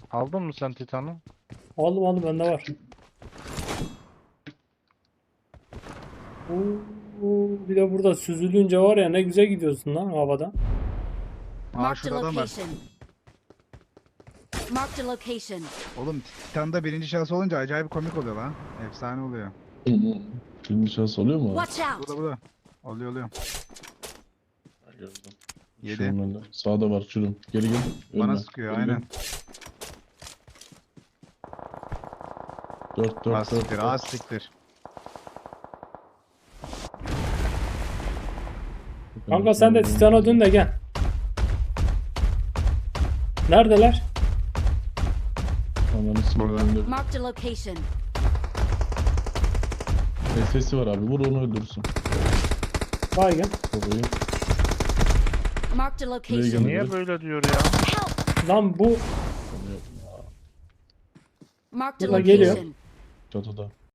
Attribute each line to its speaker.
Speaker 1: Aldın mı sen Titan'ı?
Speaker 2: Aldım aldım, bende var. Oo, bir de burada süzülünce var ya, ne güzel gidiyorsun lan havada.
Speaker 3: Aa
Speaker 4: Marked a
Speaker 3: şurada adam var.
Speaker 4: location. Marked a location.
Speaker 3: Oğlum Titan'da birinci şahıs olunca acayip komik oluyor lan. Efsane oluyor.
Speaker 5: Hı hı. Birinci şans oluyor mu abi?
Speaker 4: Watch out.
Speaker 3: Burada. Oluyor.
Speaker 5: Ha, gördüm.
Speaker 3: Yedi.
Speaker 5: Şunun önünde. Sağda var şurum. Geri gel.
Speaker 3: Bana
Speaker 5: Önüne.
Speaker 3: sıkıyor
Speaker 5: Geri gel.
Speaker 3: aynen.
Speaker 5: 4
Speaker 3: Az
Speaker 5: 4
Speaker 3: siktir
Speaker 5: 4.
Speaker 3: az siktir.
Speaker 2: Kanka sen de Titan'a dön de gel. Neredeler?
Speaker 5: Ananı s***.
Speaker 4: Marked a location.
Speaker 5: Sesi var abi. Vur onu öldürsün.
Speaker 2: Baygın.
Speaker 5: Babayı.
Speaker 4: Marked a
Speaker 5: Buraya
Speaker 4: location.
Speaker 5: gel.
Speaker 1: Niye böyle diyor ya?
Speaker 4: Help.
Speaker 2: Lan bu
Speaker 4: Marked a
Speaker 2: Burada geliyor.
Speaker 4: location.
Speaker 5: Çatıda.